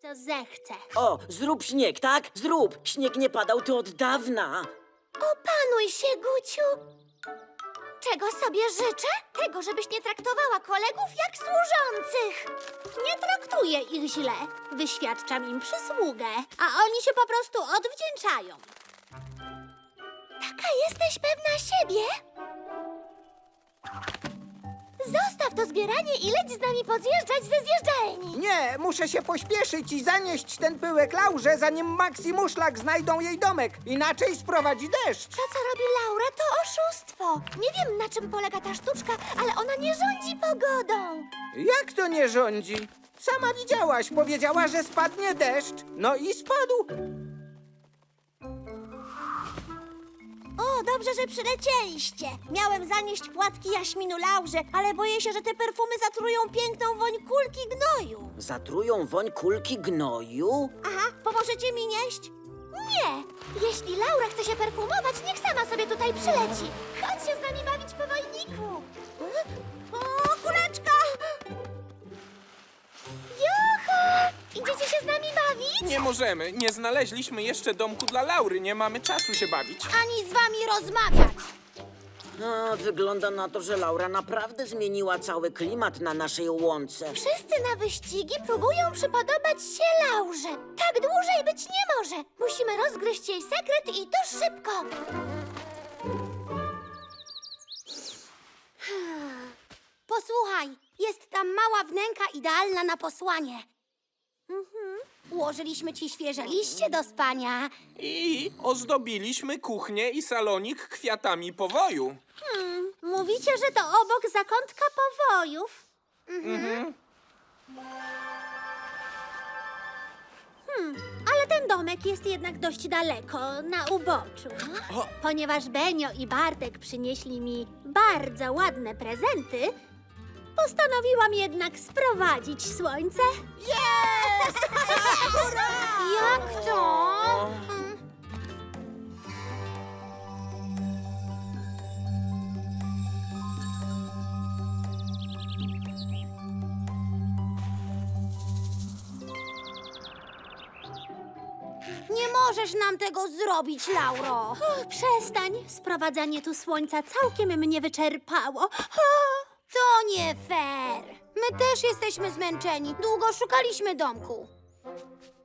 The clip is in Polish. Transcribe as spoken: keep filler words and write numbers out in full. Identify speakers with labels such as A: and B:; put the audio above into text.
A: to zechce.
B: O, zrób śnieg, tak? Zrób! Śnieg nie padał tu od dawna.
A: Opanuj się, Guciu. Czego sobie życzę? Tego, żebyś nie traktowała kolegów jak służących. Nie traktuję ich źle. Wyświadczam im przysługę, a oni się po prostu odwdzięczają. Taka jesteś pewna siebie? Zostaw to zbieranie i leć z nami pozjeżdżać ze zjeżdżalni.
C: Nie, muszę się pośpieszyć i zanieść ten pyłek Laurze, zanim Max i Muszlak znajdą jej domek. Inaczej sprowadzi deszcz.
A: To, co robi Laura, to oszustwo. Nie wiem, na czym polega ta sztuczka, ale ona nie rządzi pogodą.
C: Jak to nie rządzi? Sama widziałaś, powiedziała, że spadnie deszcz. No i spadł.
A: O, dobrze, że przylecieliście. Miałem zanieść płatki jaśminu Laurze, ale boję się, że te perfumy zatrują piękną woń kulki gnoju.
B: Zatrują woń kulki gnoju?
A: Aha, pomożecie mi nieść? Nie! Jeśli Laura chce się perfumować, niech sama sobie tutaj przyleci. Chodź się z nami bawić po wojniku. O, kuleczka! Juhu! Idziecie się z nami bawić?
D: Nie możemy. Nie znaleźliśmy jeszcze domku dla Laury. Nie mamy czasu się bawić.
A: Ani z wami rozmawiać.
B: No, wygląda na to, że Laura naprawdę zmieniła cały klimat na naszej łące.
A: Wszyscy na wyścigi próbują przypodobać się Laurze. Tak dłużej być nie może. Musimy rozgryźć jej sekret i to szybko. Posłuchaj, jest tam mała wnęka idealna na posłanie. Mhm. Ułożyliśmy ci świeże liście do spania.
D: I ozdobiliśmy kuchnię i salonik kwiatami powoju.
A: Hmm, mówicie, że to obok zakątka powojów? Mhm. Hmm, ale ten domek jest jednak dość daleko, na uboczu. Ponieważ Benio i Bartek przynieśli mi bardzo ładne prezenty, postanowiłam jednak sprowadzić słońce. Jest! Jak to? Nie możesz nam tego zrobić, Lauro. O, przestań. Sprowadzanie tu słońca całkiem mnie wyczerpało. O, to nie fair. My też jesteśmy zmęczeni. Długo szukaliśmy domku.